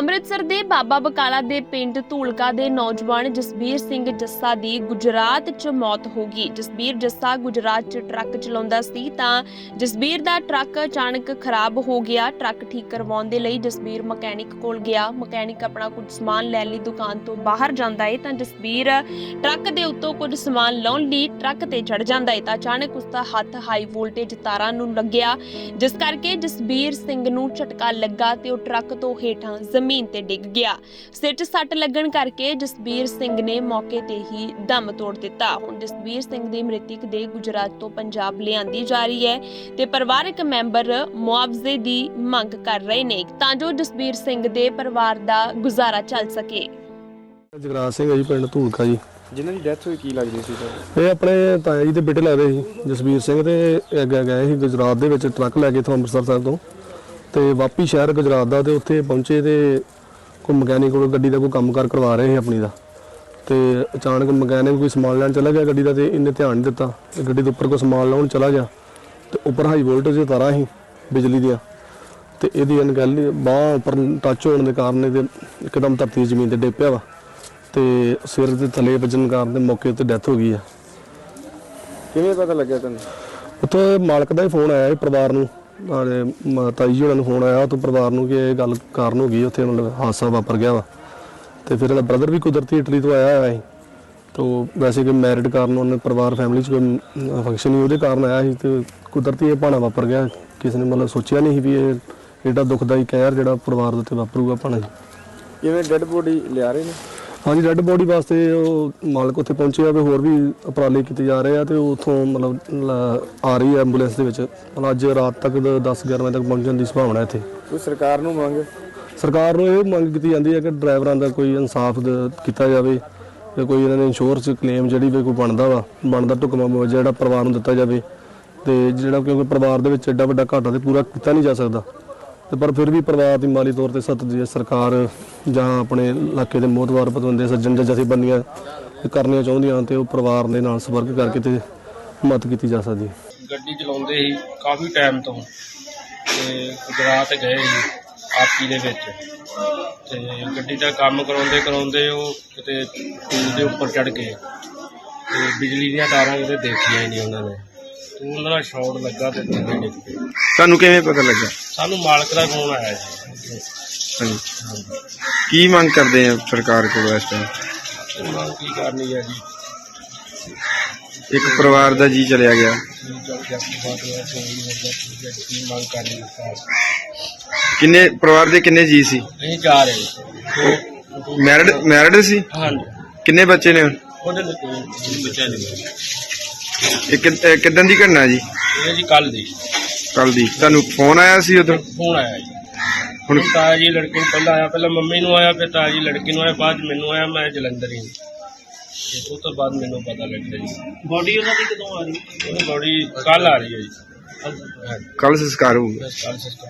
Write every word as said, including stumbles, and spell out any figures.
ਅੰਮ੍ਰਿਤਸਰ ਦੇ ਬਾਬਾ ਬਕਾਲਾ ਦੇ ਪਿੰਡ ਧੂਲਕਾ ਦੇ ਨੌਜਵਾਨ ਜਸਬੀਰ ਸਿੰਘ ਜੱਸਾ ਦੀ ਗੁਜਰਾਤ 'ਚ ਮੌਤ ਹੋ ਗਈ। ਜਸਬੀਰ ਜੱਸਾ ਗੁਜਰਾਤ 'ਚ ਟਰੱਕ ਚਲਾਉਂਦਾ ਸੀ ਤਾਂ ਜਸਬੀਰ ਦਾ ਟਰੱਕ ਅਚਾਨਕ ਖਰਾਬ ਹੋ ਗਿਆ। ਟਰੱਕ ਠੀਕ ਕਰਵਾਉਣ ਦੇ ਲਈ ਜਸਬੀਰ ਮਕੈਨਿਕ ਕੋਲ ਗਿਆ। ਮਕੈਨਿਕ ਆਪਣਾ ਕੁਝ ਸਮਾਨ ਲੈਣ ਲਈ ਦੁਕਾਨ ਤੋਂ ਬਾਹਰ ਜਾਂਦਾ ਹੈ ਤਾਂ ਜਸਬੀਰ ਟਰੱਕ ਦੇ ਉੱਤੋਂ ਕੁਝ ਸਮਾਨ ਲਾਉਣ ਲਈ ਟਰੱਕ ਤੇ ਚੜ ਜਾਂਦਾ ਹੈ ਤਾਂ ਅਚਾਨਕ ਉਸ ਦਾ ਹੱਥ ਹਾਈ ਵੋਲਟੇਜ ਤਾਰਾਂ ਨੂੰ ਲੱਗਿਆ, ਜਿਸ ਕਰਕੇ ਜਸਬੀਰ ਸਿੰਘ ਨੂੰ ਝਟਕਾ ਲੱਗਾ ਤੇ ਉਹ ਟਰੱਕ ਤੋਂ ਹੇਠਾਂ ਜ਼ਮੀਨ ਤੇ ਡਿੱਗ ਗਿਆ। ਸਿਰ 'ਚ ਸੱਟ ਲੱਗਣ ਕਰਕੇ ਜਸਬੀਰ ਸਿੰਘ ਨੇ ਮੌਕੇ ਤੇ ਹੀ ਦਮ ਤੋੜ ਦਿੱਤਾ। ਹੁਣ ਜਸਬੀਰ ਸਿੰਘ ਦੀ ਮ੍ਰਿਤਕ ਦੇ ਗੁਜਰਾਤ ਤੋਂ ਪੰਜਾਬ ਲਿਆਂਦੀ ਜਾ ਰਹੀ ਹੈ ਤੇ ਪਰਿਵਾਰਕ ਮੈਂਬਰ ਮੁਆਵਜ਼ੇ ਦੀ ਮੰਗ ਕਰ ਰਹੇ ਨੇ ਤਾਂ ਜੋ ਜਸਬੀਰ ਸਿੰਘ ਦੇ ਪਰਿਵਾਰ ਦਾ ਗੁਜ਼ਾਰਾ ਚੱਲ ਸਕੇ। ਜਗਰਾਜ ਸਿੰਘ ਜੀ, ਪਿੰਡ ਧੂਲਕਾ ਜੀ। ਜਿਨ੍ਹਾਂ ਦੀ ਡੈਥ ਹੋਈ ਕੀ ਲੱਗਦੀ ਸੀ ਤੁਹਾਨੂੰ? ਇਹ ਆਪਣੇ ਤਾਇਆ ਜੀ ਦੇ ਬੇਟੇ ਲੱਗਦੇ ਸੀ, ਜਸਬੀਰ ਸਿੰਘ, ਤੇ ਅੱਗੇ ਗਏ ਸੀ ਗੁਜਰਾਤ ਦੇ ਵਿੱਚ ਟਰੱਕ ਲੈ ਕੇ ਇੱਥੋਂ ਅੰਮ੍ਰਿਤਸਰ ਸਾਹਿਬ ਤੋਂ ਤੇ ਵਾਪੀ ਸ਼ਹਿਰ ਗੁਜਰਾਤ ਦਾ। ਤੇ ਉੱਥੇ ਪਹੁੰਚੇ ਤੇ ਕੋਈ ਮਕੈਨਿਕ ਕੋਲ ਗੱਡੀ ਦਾ ਕੋਈ ਕੰਮ ਕਾਰ ਕਰਵਾ ਰਹੇ ਸੀ ਆਪਣੀ ਦਾ, ਤੇ ਅਚਾਨਕ ਮਕੈਨਿਕ ਕੋਈ ਸਮਾਨ ਲੈਣ ਚਲਾ ਗਿਆ ਗੱਡੀ ਦਾ ਤੇ ਇਹਨੇ ਧਿਆਨ ਨਹੀਂ ਦਿੱਤਾ ਤੇ ਗੱਡੀ ਦੇ ਉੱਪਰ ਕੋਈ ਸਮਾਨ ਲਾਉਣ ਚਲਾ ਗਿਆ ਤੇ ਉੱਪਰ ਹਾਈ ਵੋਲਟੇਜ ਦੀਆਂ ਤਾਰਾਂ ਸੀ ਬਿਜਲੀ ਦੀਆਂ ਤੇ ਇਹਦੀ ਅਣਗਹਿਲੀ ਬਾਂਹ ਉੱਪਰ ਟੱਚ ਹੋਣ ਦੇ ਕਾਰਨ ਇਹਦੇ ਇੱਕਦਮ ਧਰਤੀ ਜ਼ਮੀਨ ਤੇ ਡਿੱਗ ਪਿਆ ਵਾ ਤੇ ਸਿਰ ਦੇ ਥੱਲੇ ਵੱਜਣ ਕਾਰਨ ਤੇ ਮੌਕੇ ਉੱਤੇ ਡੈਥ ਹੋ ਗਈ ਆ। ਕਿਵੇਂ ਪਤਾ ਲੱਗਿਆ ਤੁਹਾਨੂੰ? ਉੱਥੋਂ ਮਾਲਕ ਦਾ ਹੀ ਫੋਨ ਆਇਆ ਪਰਿਵਾਰ ਨੂੰ, ਤਾਈ ਜੀ ਹੋਣਾ ਨੂੰ ਫੋਨ ਆਇਆ ਉੱਥੋਂ ਪਰਿਵਾਰ ਨੂੰ ਕਿ ਇਹ ਗੱਲ ਕਾਰਨ ਹੋ ਗਈ, ਉੱਥੇ ਮਤਲਬ ਹਾਦਸਾ ਵਾਪਰ ਗਿਆ ਵਾ। ਤੇ ਫਿਰ ਇਹਦਾ ਬ੍ਰਦਰ ਵੀ ਕੁਦਰਤੀ ਇਟਲੀ ਤੋਂ ਆਇਆ ਹੋਇਆ ਸੀ ਤੋਂ ਵੈਸੇ ਕਿ ਮੈਰਿਡ ਕਾਰਨ ਉਹਨੇ ਪਰਿਵਾਰ ਫੈਮਿਲੀ 'ਚ ਕੋਈ ਫੰਕਸ਼ਨ ਹੀ ਉਹਦੇ ਕਾਰਨ ਆਇਆ ਸੀ ਤੇ ਕੁਦਰਤੀ ਇਹ ਭਾਣਾ ਵਾਪਰ ਗਿਆ। ਕਿਸੇ ਨੇ ਮਤਲਬ ਸੋਚਿਆ ਨਹੀਂ ਸੀ ਵੀ ਇਹ ਐਡਾ ਦੁਖਦਾਈ ਕਹਿਰ ਜਿਹੜਾ ਪਰਿਵਾਰ ਦੇ ਉੱਤੇ ਵਾਪਰੂਗਾ ਭਾਣਾ ਜੀ। ਕਿਵੇਂ ਡੈੱਡ ਬੋਡੀ ਲਿਆ ਰਹੇ ਨੇ? ਹਾਂਜੀ, ਡੈੱਡ ਬੋਡੀ ਵਾਸਤੇ ਉਹ ਮਾਲਕ ਉੱਥੇ ਪਹੁੰਚੇ ਆ ਤੇ ਹੋਰ ਵੀ ਉਪਰਾਲੇ ਕੀਤੇ ਜਾ ਰਹੇ ਆ ਤੇ ਉੱਥੋਂ ਮਤਲਬ ਆ ਰਹੀ ਹੈ ਐਂਬੂਲੈਂਸ ਦੇ ਵਿੱਚ। ਮਤਲਬ ਅੱਜ ਰਾਤ ਤੱਕ ਦਸ ਗਿਆਰਾਂ ਵਜੇ ਤੱਕ ਪਹੁੰਚਣ ਦੀ ਸੰਭਾਵਨਾ ਇੱਥੇ। ਕੋਈ ਸਰਕਾਰ ਨੂੰ ਮੰਗ? ਸਰਕਾਰ ਨੂੰ ਇਹ ਮੰਗ ਕੀਤੀ ਜਾਂਦੀ ਹੈ ਕਿ ਡਰਾਈਵਰਾਂ ਦਾ ਕੋਈ ਇਨਸਾਫ ਕੀਤਾ ਜਾਵੇ ਤੇ ਕੋਈ ਇਹਨਾਂ ਦੇ ਇੰਸ਼ੋਰੈਂਸ ਕਲੇਮ ਜਿਹੜੀ ਵੀ ਕੋਈ ਬਣਦਾ ਵਾ ਬਣਦਾ ਢੁਕਵਾਂ ਮੁਆਵਜ਼ਾ ਜਿਹੜਾ ਪਰਿਵਾਰ ਨੂੰ ਦਿੱਤਾ ਜਾਵੇ। ਤੇ ਜਿਹੜਾ ਕਿਉਂਕਿ ਪਰਿਵਾਰ ਦੇ ਵਿੱਚ ਐਡਾ ਵੱਡਾ ਘਾਟਾ ਤੇ ਪੂਰਾ ਕੀਤਾ ਨਹੀਂ ਜਾ ਸਕਦਾ ਤੇ ਪਰ ਫਿਰ ਵੀ ਪਰਿਵਾਰ ਦੀ ਮਾਲੀ ਤੌਰ ਤੇ ਸਖਤ ਜੇ ਸਰਕਾਰ ਜਾਂ ਆਪਣੇ ਇਲਾਕੇ ਦੇ ਮੋਹਤਵਾਰ ਬੰਦੇ ਸੱਜਣ ਜਾਂ ਜਥੇਬੰਦੀਆਂ ਕਰਨੀਆਂ ਚਾਹੁੰਦੀਆਂ ਤੇ ਉਹ ਪਰਿਵਾਰ ਦੇ ਨਾਲ ਸੰਪਰਕ ਕਰਕੇ ਤੇ ਮਦਦ ਕੀਤੀ ਜਾ ਸਕਦੀ ਹੈ। ਗੱਡੀ ਚਲਾਉਂਦੇ ਸੀ ਕਾਫੀ ਟਾਈਮ ਤੋਂ ਤੇ ਗੁਜਰਾਤ ਗਏ ਸੀ ਆਪੀ ਦੇ ਵਿੱਚ ਤੇ ਗੱਡੀ ਦਾ ਕੰਮ ਕਰਾਉਂਦੇ ਕਰਾਉਂਦੇ ਉਹ ਕਿਤੇ ਪੁਲ ਦੇ ਉੱਪਰ ਚੜ੍ਹ ਗਏ ਤੇ ਬਿਜਲੀ ਦੀਆਂ ਤਾਰਾਂ ਕਿਤੇ ਦੇਖੀਆਂ ਹੀ ਨਹੀਂ ਉਹਨਾਂ ਨੇ ਤੇ ਉਹਨਾਂ ਦਾ ਸ਼ਾਰਟ ਲੱਗਾ ਤੇ ਥੱਲੇ ਡਿੱਗ ਪਏ। ਤੁਹਾਨੂੰ ਕਿਵੇਂ ਪਤਾ ਲੱਗਾ? ਸਾਨੂੰ ਮਾਲਕ ਦਾ ਫੋਨ ਆਇਆ ਜੀ। ਹਾਂਜੀ, ਕੀ ਮੰਗ ਕਰਦੇ ਆ ਸਰਕਾਰ ਕੋਲ ਇਸ ਟਾਈਮ? ਉਹਨਾਂ ਕੀ ਕਰਨੀ ਹੈ ਜੀ, ਇੱਕ ਪਰਿਵਾਰ ਦਾ ਜੀ ਚਲਿਆ ਗਿਆ। ਕੀ ਮੰਗ ਕਰਨੀ ਹੈ? ਕਿੰਨੇ ਪਰਿਵਾਰ ਦੇ ਕਿੰਨੇ ਜੀ ਸੀ? ਅਸੀਂ ਜਾ ਰਹੇ ਮੈਰਿਡ ਮੈਰਿਡ ਸੀ? ਹਾਂਜੀ। ਕਿੰਨੇ ਬੱਚੇ ਨੇ? ਉਹਦੇ ਲਈ ਕੋਈ ਬੱਚਾ ਨਹੀਂ। ਇਹ ਕਿ- ਕਿੱਦਣ ਦੀ ਘਟਨਾ ਜੀ? ਇਹ ਜੀ ਕੱਲ ਦੀ ਕੱਲ ਦੀ। ਤੁਹਾਨੂੰ ਫੋਨ ਆਇਆ ਸੀ ਉਦੋਂ? ਫੋਨ ਆਇਆ ਜੀ। ਹੁਣ ਤਾਇਆ ਜੀ ਲੜਕੇ ਨੂੰ ਪਹਿਲਾਂ ਆਇਆ, ਪਹਿਲਾਂ ਮੰਮੀ ਨੂੰ ਆਇਆ, ਫਿਰ ਤਾਇਆ ਜੀ ਲੜਕੇ ਨੂੰ ਆਇਆ, ਬਾਅਦ ਮੈਨੂੰ ਆਇਆ। ਮੈਂ ਜਲੰਧਰ ਹੀ ਤੇ ਉਸ ਤੋਂ ਬਾਅਦ ਮੈਨੂੰ ਪਤਾ ਲੱਗਿਆ ਜੀ। ਬੋਡੀ ਉਹਨਾਂ ਦੀ ਕਦੋਂ ਆ ਰਹੀ? ਉਹ ਬੋਡੀ ਕੱਲ ਆ ਰਹੀ ਹੈ ਜੀ। ਕੱਲ ਸੰਸਕਾਰ ਹੋਊਗਾ। ਕੱਲ